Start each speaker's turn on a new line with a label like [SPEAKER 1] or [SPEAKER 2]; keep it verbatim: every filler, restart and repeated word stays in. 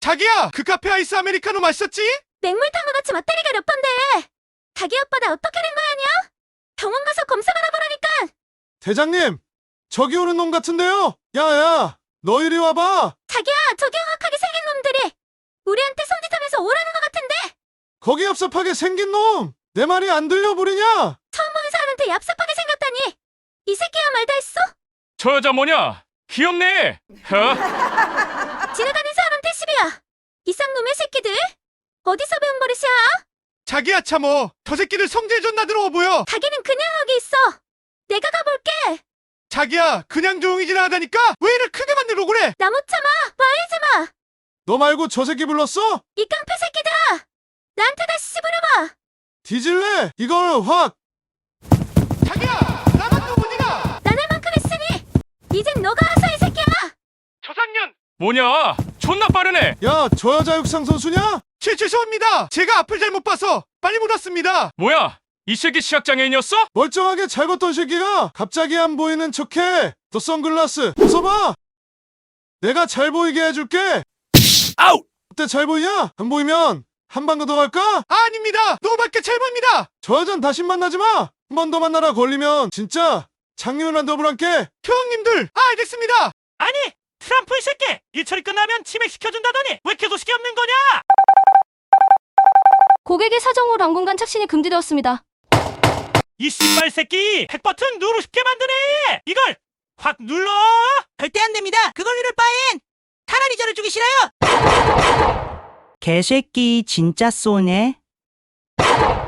[SPEAKER 1] 자기야, 그 카페 아이스 아메리카노 마셨지?
[SPEAKER 2] 맹물탕과 같이 맞다리가 몇 번데. 자기 오빠 나 어떻게 된 거 아니야? 병원 가서 검사 받아보라니까.
[SPEAKER 3] 대장님, 저기 오는 놈 같은데요? 야야, 너 이리 와봐.
[SPEAKER 2] 자기야, 저기 흉악하게 생긴 놈들이 우리한테 손짓하면서 오라는 것 같은데.
[SPEAKER 3] 거기 얍삽하게 생긴 놈. 내 말이 안 들려 보이냐?
[SPEAKER 2] 처음 보는 사람한테 얍삽하게 생겼다니. 이 새끼야 말다 했어?
[SPEAKER 4] 저 여자 뭐냐? 귀엽네. 어?
[SPEAKER 2] 지나가는 사람한테 시비야. 이 쌍놈의 새끼들. 어디서 배운 버릇이야?
[SPEAKER 1] 자기야 참어. 저 새끼들 성질 존나 들어워 보여.
[SPEAKER 2] 자기는 그냥 여기 있어. 내가 가볼게.
[SPEAKER 1] 자기야, 그냥 조용히 지나가다니까 왜 이를 크게 만들고 그래?
[SPEAKER 2] 나 못 참아. 말리지 마.
[SPEAKER 3] 너 말고 저 새끼 불렀어?
[SPEAKER 2] 이 깡패 새끼들아. 나한테 다시 씹으려봐.
[SPEAKER 3] 뒤질래? 이걸 확.
[SPEAKER 1] 자기야, 나만 또 보니가.
[SPEAKER 2] 난 할 만큼 했으니 이젠 너가 하서 이 새끼야.
[SPEAKER 1] 저상년.
[SPEAKER 4] 뭐냐? 존나 빠르네.
[SPEAKER 3] 야, 저 여자 육상 선수냐?
[SPEAKER 1] 죄, 죄송합니다. 제가 앞을 잘못 봐서 빨리 못 왔습니다.
[SPEAKER 4] 뭐야? 이 새끼 시각장애인이었어?
[SPEAKER 3] 멀쩡하게 잘 걷던 새끼가 갑자기 안 보이는 척해. 너 선글라스 벗어봐. 내가 잘 보이게 해줄게.
[SPEAKER 4] 아우!
[SPEAKER 3] 어때, 잘 보이냐? 안 보이면 한 방 더 갈까?
[SPEAKER 1] 아, 아닙니다. 너무 밝게 잘 보입니다.
[SPEAKER 3] 저 여잔 다시 만나지 마. 한 번 더 만나라 걸리면 진짜 장님이랑 더블한게.
[SPEAKER 1] 형님들, 아, 알겠습니다.
[SPEAKER 5] 아니, 트럼프 이 새끼! 일처리 끝나면 치맥시켜준다더니 왜 계도식이 없는 거냐?
[SPEAKER 6] 고객의 사정으로 당분간 착신이 금지되었습니다.
[SPEAKER 5] 이 씨발 새끼! 핵버튼 누르고 싶게 만드네! 이걸 확 눌러!
[SPEAKER 7] 절대 안 됩니다. 그걸 누를 바엔 차라리 저를 죽이 싫어요. 개새끼 진짜 쏘네.